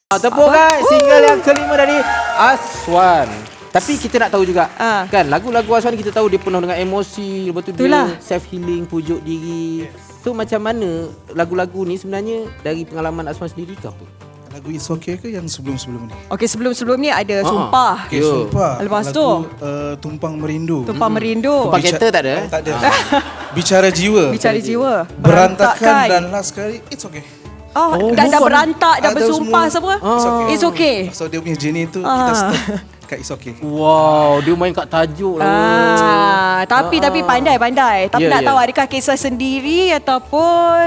Tepuk guys, single yang kelima dari Aswan. Tapi kita nak tahu juga kan, lagu-lagu Aswan kita tahu dia penuh dengan emosi, lepas tu dia self healing, pujuk diri. So macam mana lagu-lagu ni sebenarnya dari pengalaman Aswan sendiri ke apa? Lagu It's Okay ke yang sebelum-sebelum ni? Okey, sebelum-sebelum ni ada Sumpah. Okay, Sumpah. Lepas lagu, tu Tumpang Merindu. Tumpang Merindu. Tumpang kereta tak ada? Tak ada. Bicara Jiwa. Bicara Jiwa. Berantakan dan last kali It's Okay. Dah berantak, dah bersumpah semua. It's okay. So dia punya journey tu kita stop kat It's Okay. Wow, dia main kat tajuk lah. Tapi pandai. Tapi nak tahu adakah kisah sendiri ataupun ...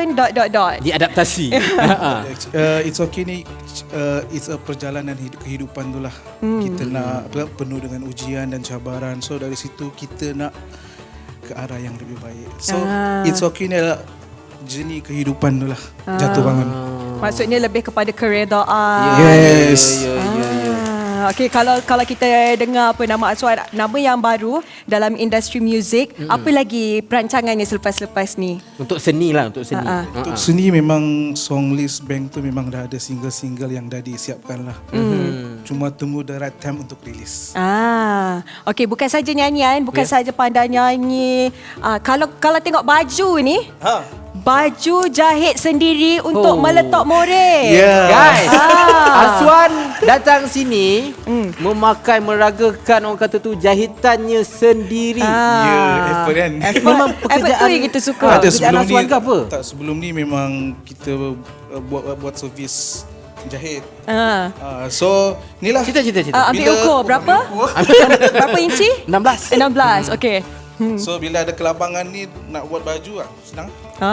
Diadaptasi. It's Okay ni it's a perjalanan kehidupan tu lah. Kita nak penuh dengan ujian dan cabaran. So dari situ kita nak ke arah yang lebih baik. So It's Okay ni adalah journey kehidupan tu lah. Jatuh bangun. Maksudnya lebih kepada keredaan. Yes. Okey, kalau kita dengar apa nama Aswan, nama yang baru dalam industri muzik, apa lagi perancangannya selepas ni? Untuk seni lah, untuk seni. Untuk seni memang song list bank tu memang dah ada single-single yang dah disiapkan lah. Cuma tunggu the right time untuk rilis. Okey, bukan saja nyanyian, bukan saja pandai nyanyi. Kalau tengok baju ni, baju jahit sendiri untuk meletak more. Guys, Aswan datang sini memakai, meragakan orang kata tu jahitannya sendiri. Effort kan. Memang Effort tu yang kita suka. Ada sebelum Aswan ni ke apa? Tak, sebelum ni memang kita buat servis jahit. So inilah Cerita. Ambil ukur berapa? Berapa inci? 16. 16. Okey. So bila ada kelapangan ni nak buat baju senang.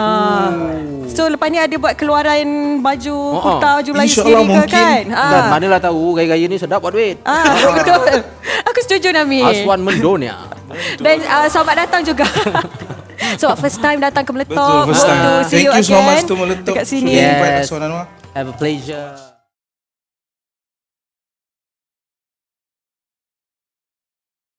So lepas ni ada buat keluaran baju kurta, baju Melayu InsyaAllah sendiri ke mungkin. kan? Dan manalah tahu gaya-gaya ni sedap buat duit. Betul. Aku setuju Nami. Aswan mendonya. Dan selamat datang juga. So first time datang ke Meletup. Betul, first time. To see Thank you so again much to Meletup. dekat sini. Sudah invite Aswan Anwar. Have a pleasure.